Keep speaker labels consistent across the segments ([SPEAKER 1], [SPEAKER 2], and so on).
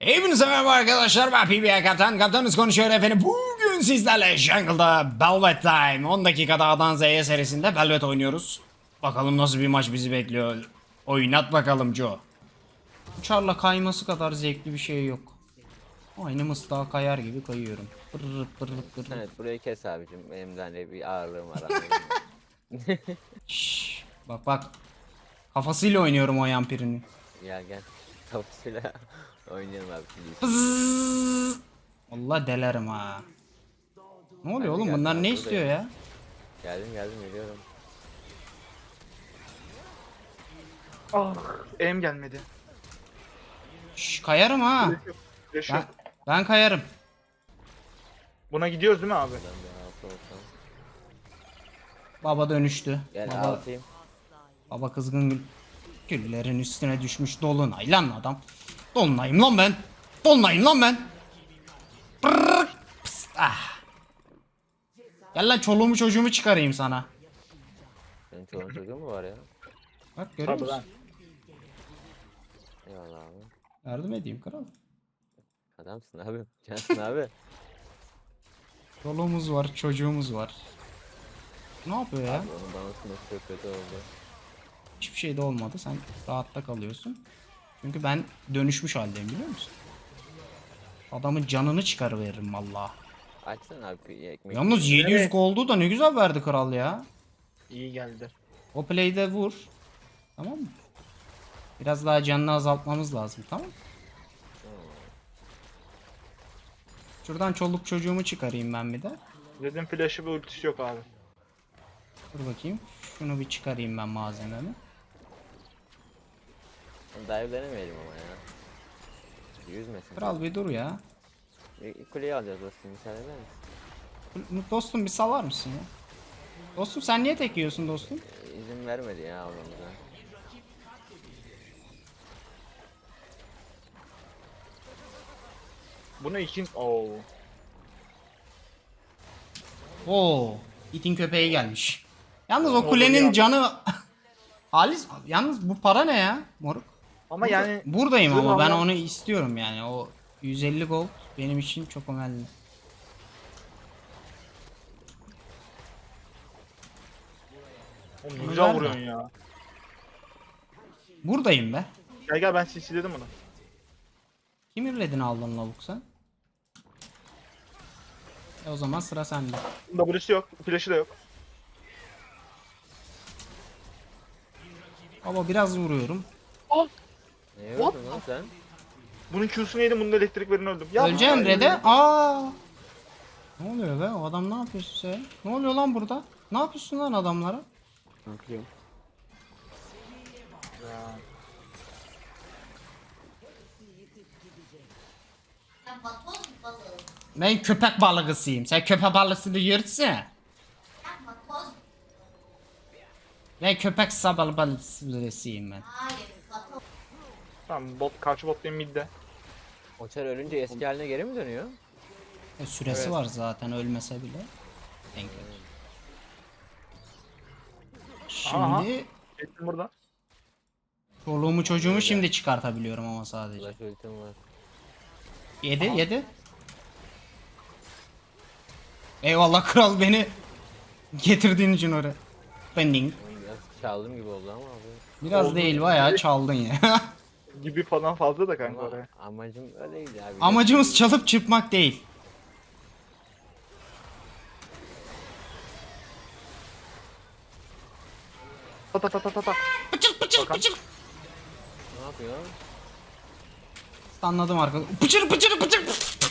[SPEAKER 1] Hepinize merhaba arkadaşlar, ben PBA Kaptan. Kaptanınız konuşuyor efendim. Bugün sizlerle Jungle'da Velvet Time 10 dakikada A'dan Z'ye serisinde Velvet oynuyoruz. Bakalım nasıl bir maç bizi bekliyor. Oynat bakalım Joe. Uçarla kayması kadar zevkli bir şey yok. Aynı mıstığa kayar gibi kayıyorum. Pırr pırr pırr.
[SPEAKER 2] Evet, burayı kes abicim. Benim de hani bir ağırlığım var.
[SPEAKER 1] Şşş, bak bak. Kafasıyla oynuyorum o yampirini.
[SPEAKER 2] Gel. Kafasıyla oynayalım abi.
[SPEAKER 1] Pızzzz. Allah delerim ha. Ne oluyor oğlum, bunlar ne istiyor ya?
[SPEAKER 2] Geldim geliyorum.
[SPEAKER 3] Ah, em gelmedi.
[SPEAKER 1] Şşş, kayarım ha.
[SPEAKER 3] Flash
[SPEAKER 1] Ben,
[SPEAKER 3] yok.
[SPEAKER 1] ben kayarım.
[SPEAKER 3] Buna gidiyoruz değil mi abi?
[SPEAKER 2] Ben bir altı olsam.
[SPEAKER 1] Baba dönüştü.
[SPEAKER 2] Gel
[SPEAKER 1] Baba,
[SPEAKER 2] altayım.
[SPEAKER 1] baba kızgın güllerin üstüne düşmüş dolunay lan adam. Dolunayım lan ben. Dolunayım lan ben. Brrr, pıst, ah. Gel lan, çoluğumu çocuğumu çıkarayım sana.
[SPEAKER 2] Senin çoluğun çocuğun mu var ya?
[SPEAKER 1] Bak, görüyor
[SPEAKER 3] Tabii
[SPEAKER 1] musun?
[SPEAKER 3] lan.
[SPEAKER 2] Eyvallah abi.
[SPEAKER 1] Yardım edeyim kral.
[SPEAKER 2] Adamsın abi. Cansın abi.
[SPEAKER 1] Çoluğumuz var, çocuğumuz var. Ne yapıyor ya?
[SPEAKER 2] Abi onun bana çok kötü oldu.
[SPEAKER 1] Hiçbir şey de olmadı. Sen rahatta kalıyorsun. Çünkü ben dönüşmüş haldeyim, biliyor musun? Adamın canını çıkarıveririm vallahi.
[SPEAKER 2] Açsana abi bir ekmek.
[SPEAKER 1] Yalnız 700
[SPEAKER 3] Evet.
[SPEAKER 1] gold'u da ne güzel verdi kral ya.
[SPEAKER 3] İyi geldi.
[SPEAKER 1] O play'de vur. Tamam mı? Biraz daha canını azaltmamız lazım, tamam mı? Şuradan çoluk çocuğumu çıkarayım ben bir de.
[SPEAKER 3] Dedim flash'ı ve ultisi yok abi.
[SPEAKER 1] Dur bakayım. Şunu bir çıkarayım ben, malzememi.
[SPEAKER 2] Dive denemeyelim ama ya. Yüzmesin.
[SPEAKER 1] Kral bir dur ya.
[SPEAKER 2] Kuleyi alacağız dostum. Müsaade eder misin?
[SPEAKER 1] Dostum bir salar mısın ya? Dostum sen niye tek yiyorsun dostum?
[SPEAKER 2] İzin vermedi ya almamıza.
[SPEAKER 3] Buna ikin... Oo.
[SPEAKER 1] Oo, itin köpeği gelmiş. Yalnız o
[SPEAKER 3] Olur
[SPEAKER 1] kulenin
[SPEAKER 3] ya.
[SPEAKER 1] canı... Halis, yalnız bu para ne ya moruk?
[SPEAKER 3] Ama yani...
[SPEAKER 1] Buradayım
[SPEAKER 3] Şunu
[SPEAKER 1] ama ben
[SPEAKER 3] Allah-
[SPEAKER 1] onu istiyorum yani. O 150 gold benim için çok önemli.
[SPEAKER 3] Oğlum
[SPEAKER 1] Bunu
[SPEAKER 3] güzel
[SPEAKER 1] ver de.
[SPEAKER 3] vuruyorsun ya.
[SPEAKER 1] Buradayım be.
[SPEAKER 3] Gel ben CC'ledim bunu.
[SPEAKER 1] Kim irledin aldın lavuk sen? O zaman sıra sende.
[SPEAKER 3] Bunda W'si yok. Flash'ı da yok.
[SPEAKER 1] Baba biraz vuruyorum.
[SPEAKER 2] Ne
[SPEAKER 3] What?
[SPEAKER 2] yapıyorsun lan sen?
[SPEAKER 3] Bunun Q'sunu yedim, bunun elektrik verini öldüm. Ya
[SPEAKER 1] Öleceğim Red'e. Aa! Ne oluyor be? O adam ne yapıyorsun sen? Ne oluyor lan burada? Ne yapıyorsun lan adamlara?
[SPEAKER 2] Bakıyorum.
[SPEAKER 3] Ya.
[SPEAKER 1] Ben köpek balığısıyım. Sen köpek balığısını yırtsana. Ben köpek balığısıyım ben.
[SPEAKER 3] Tamam, karşı bot benim midde.
[SPEAKER 2] Oçar ölünce eski haline geri mi dönüyor?
[SPEAKER 1] Süresi
[SPEAKER 3] Evet.
[SPEAKER 1] var zaten, ölmese bile. Denk gelir.
[SPEAKER 3] Aha.
[SPEAKER 1] Şimdi
[SPEAKER 3] Geçtim burada.
[SPEAKER 1] çoluğumu çocuğumu şimdi çıkartabiliyorum ama sadece.
[SPEAKER 2] Flash ultim var.
[SPEAKER 1] Yedi. Eyvallah kral, beni getirdiğin için oraya. Bending.
[SPEAKER 2] Oğlum biraz çaldım gibi oldu ama abi.
[SPEAKER 1] Biraz
[SPEAKER 3] Oldu.
[SPEAKER 1] değil, bayağı çaldın ya.
[SPEAKER 3] Gibi falan fazla da kanka
[SPEAKER 2] Ama
[SPEAKER 3] oraya.
[SPEAKER 2] amacım öyleydi abi.
[SPEAKER 1] Amacımız çalıp çırpmak değil.
[SPEAKER 3] Ta ta ta ta ta ta.
[SPEAKER 1] Pıçır pıçır
[SPEAKER 3] Bakalım.
[SPEAKER 1] pıçır.
[SPEAKER 2] Ne yapıyor?
[SPEAKER 1] Anladım arkadaşlar. Pıçır pıçır pıçır.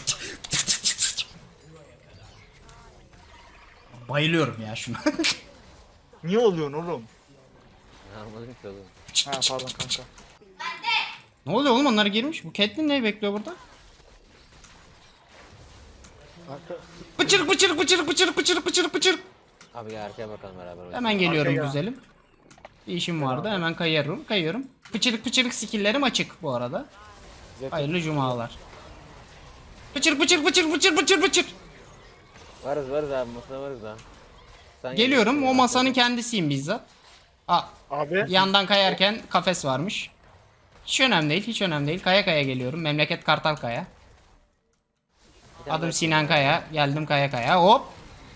[SPEAKER 1] Bayılıyorum ya şuna.
[SPEAKER 3] Niye oluyorsun oğlum?
[SPEAKER 2] Ne anladım ki oğlum.
[SPEAKER 3] Ha pardon kanka.
[SPEAKER 1] Ne oluyor oğlum, onlar girmiş. Bu Catelyn neyi bekliyor burada? Pıçır pıçır pıçır pıçır pıçır pıçır pıçır.
[SPEAKER 2] Abi gel arkaya bakalım beraber.
[SPEAKER 1] Hemen geliyorum
[SPEAKER 3] Arkaya.
[SPEAKER 1] güzelim. Bir işim vardı, hemen kayıyorum. Pıçırık pıçırık skill'lerim açık bu arada. Hayırlı cumalar. Pıçır pıçır pıçır pıçır pıçır pıçır.
[SPEAKER 2] Varız abi masada varız ha. Sen
[SPEAKER 1] Geliyorum,
[SPEAKER 2] geliyorsun
[SPEAKER 1] o
[SPEAKER 2] ya,
[SPEAKER 1] masanın
[SPEAKER 2] arkada.
[SPEAKER 1] kendisiyim bizzat. Aa,
[SPEAKER 3] Abi.
[SPEAKER 1] yandan kayarken kafes varmış. Hiç önemli değil, hiç önemli değil. Kaya kaya geliyorum. Memleket Kartal Kaya.
[SPEAKER 2] Bir tane
[SPEAKER 1] Adım
[SPEAKER 2] daha
[SPEAKER 1] Sinan Kaya. Geldim Kaya Kaya. Hop.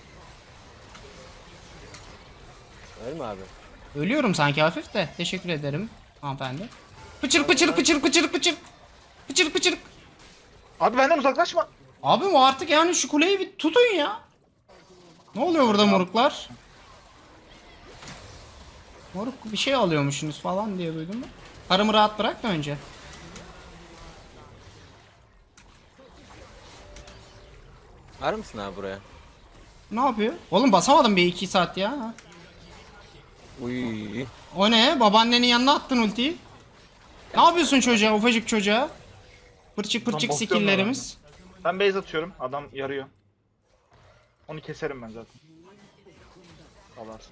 [SPEAKER 2] Ölme abi.
[SPEAKER 1] Ölüyorum sanki hafif de. Teşekkür ederim hanımefendi. Pıçır pıçır pıçır pıçır pıçır. Pıçır pıçır.
[SPEAKER 3] Abi benden uzaklaşma.
[SPEAKER 1] Abi o artık yani şu kuleyi bir tutun ya. Ne oluyor burada moruklar? Moruk bir şey alıyormuşsunuz falan diye duydum ben. Karımı rahat bırak da önce.
[SPEAKER 2] Var mısın abi buraya?
[SPEAKER 1] Ne yapıyor? Oğlum basamadım bir 2 saat ya.
[SPEAKER 2] Uy.
[SPEAKER 1] O ne? Babaannenin yanına attın ultiyi. Ne yapıyorsun çocuğa, ufacık çocuğa? Pırçık pırçık
[SPEAKER 3] basıyorum
[SPEAKER 1] skill'lerimiz.
[SPEAKER 3] Ben base atıyorum. Adam yarıyor. Onu keserim ben zaten. Alarsın.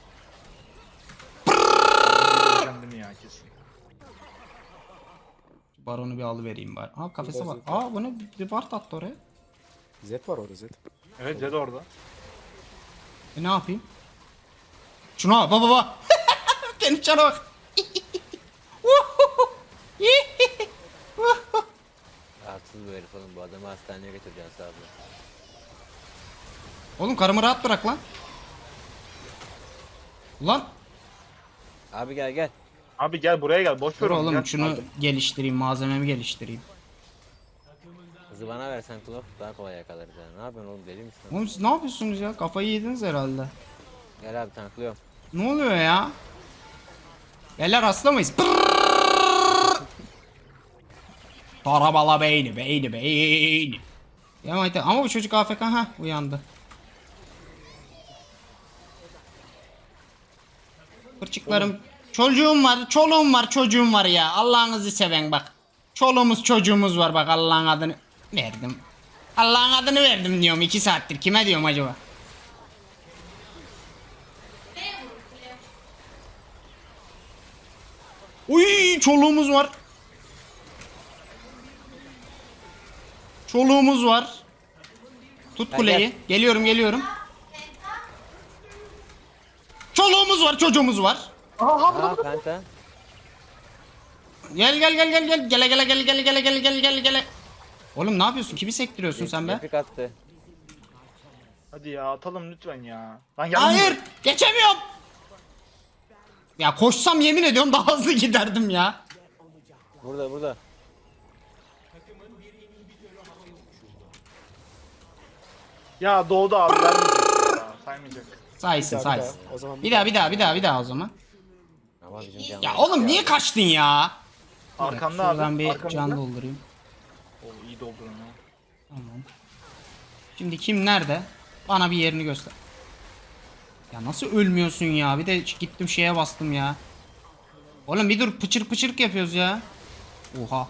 [SPEAKER 3] Kendimi ya kesin.
[SPEAKER 1] Baronu bir alıvereyim bari. Aa kafese bak. Aa bu ne? Bir ward attı oraya.
[SPEAKER 4] Z var orada Z.
[SPEAKER 3] Evet Zed orada.
[SPEAKER 1] Ne yapayım? Şuna bak baba. Benim cana bak.
[SPEAKER 2] Rahatsız bu herif oğlum, bu adamı hastaneye götüreceğiz abi.
[SPEAKER 1] Oğlum karımı rahat bırak lan. Ulan.
[SPEAKER 2] Abi gel gel.
[SPEAKER 3] Abi gel buraya gel. Boş ver
[SPEAKER 1] Dur
[SPEAKER 3] onu.
[SPEAKER 1] oğlum
[SPEAKER 3] Gel.
[SPEAKER 1] şunu geliştireyim. Malzememi geliştireyim.
[SPEAKER 2] Kızı bana versen Klov daha kolay yakalarız yani. Ne yapıyorsun oğlum, deli misin?
[SPEAKER 1] Oğlum siz ne yapıyorsunuz ya? Kafayı yediniz herhalde.
[SPEAKER 2] Gel abi, tanklıyorum.
[SPEAKER 1] Ne oluyor ya? Beyler hasta mıyız? Tarabala beyni beyni beyni. Ya ama bu çocuk AFK ha uyandı. Fırçıklarım. Çocuğum var, çoluğum var, çocuğum var ya. Allah'ınızı seven bak. Çoluğumuz çocuğumuz var bak, Allah'ın adını verdim. Allah'ın adını verdim diyorum 2 saattir. Kime diyorum acaba? Uy çoluğumuz var. Çoluğumuz var. Tut
[SPEAKER 2] Gel,
[SPEAKER 1] kuleyi.
[SPEAKER 2] gel.
[SPEAKER 1] Geliyorum geliyorum. Çoluğumuz var, çocuğumuz var.
[SPEAKER 2] Aa penta.
[SPEAKER 1] Gel gel gel gel gel. Gele gele gele gele gele gele gele gele gele. Oğlum ne yapıyorsun? Kimi sektiriyorsun sen be?
[SPEAKER 2] Replik attı.
[SPEAKER 3] Hadi ya atalım lütfen ya. Lan yanmıyor.
[SPEAKER 1] Hayır, geçemiyorum. Ya koşsam yemin ediyorum daha hızlı giderdim ya.
[SPEAKER 2] Burada burada.
[SPEAKER 3] Ya doğdu abi vermeyecek ya. Saymayacak.
[SPEAKER 1] Saysın
[SPEAKER 4] Bir daha,
[SPEAKER 1] saysın.
[SPEAKER 4] O zaman
[SPEAKER 1] Bir daha o zaman.
[SPEAKER 2] Ama bizim canlı.
[SPEAKER 1] Ya oğlum niye kaçtın ya?
[SPEAKER 3] Arkanda abi.
[SPEAKER 1] Şuradan bir
[SPEAKER 3] arkamızda.
[SPEAKER 1] can doldurayım.
[SPEAKER 3] Oo, iyi doldurun ya.
[SPEAKER 1] Tamam. Şimdi kim nerede? Bana bir yerini göster. Ya nasıl ölmüyorsun ya? Bir de gittim şeye bastım ya. Oğlum bir dur, pıçır pıçırık yapıyoruz ya. Oha.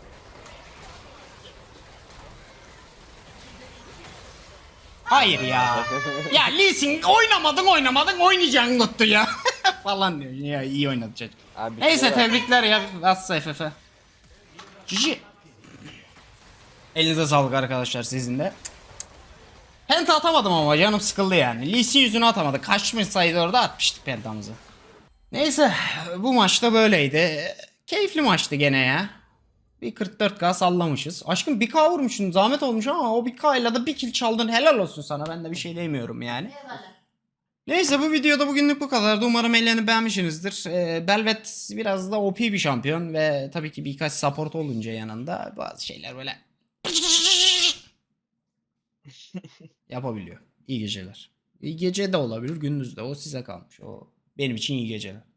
[SPEAKER 1] Hayır ya. Ya Lee Sin oynamadın oynayacaksın tuttu ya. Falan diyor. Ya iyi oynadı çocuk.
[SPEAKER 2] Abi,
[SPEAKER 1] Neyse
[SPEAKER 2] şuraya bak.
[SPEAKER 1] tebrikler ya. Atsa FF. Cici. Elinize sağlık arkadaşlar sizin de. Penta atamadım ama canım sıkıldı yani. Lee Sin yüzünü atamadı. Kaçmışsaydı orada atmıştık pentamızı. Neyse bu maçta böyleydi. Keyifli maçtı gene ya. Bir 44k sallamışız. Aşkım 1k vurmuşsun, zahmet olmuş ama o 1k ile de bir kill çaldın, helal olsun sana, ben de bir şey demiyorum yani. Neyse bu videoda bugünlük bu kadardı. Umarım ellerini beğenmişsinizdir. Belvet biraz da OP bir şampiyon ve tabii ki birkaç support olunca yanında bazı şeyler böyle yapabiliyor. İyi geceler. İyi gece de olabilir, gündüz de, o size kalmış. O benim için iyi geceler.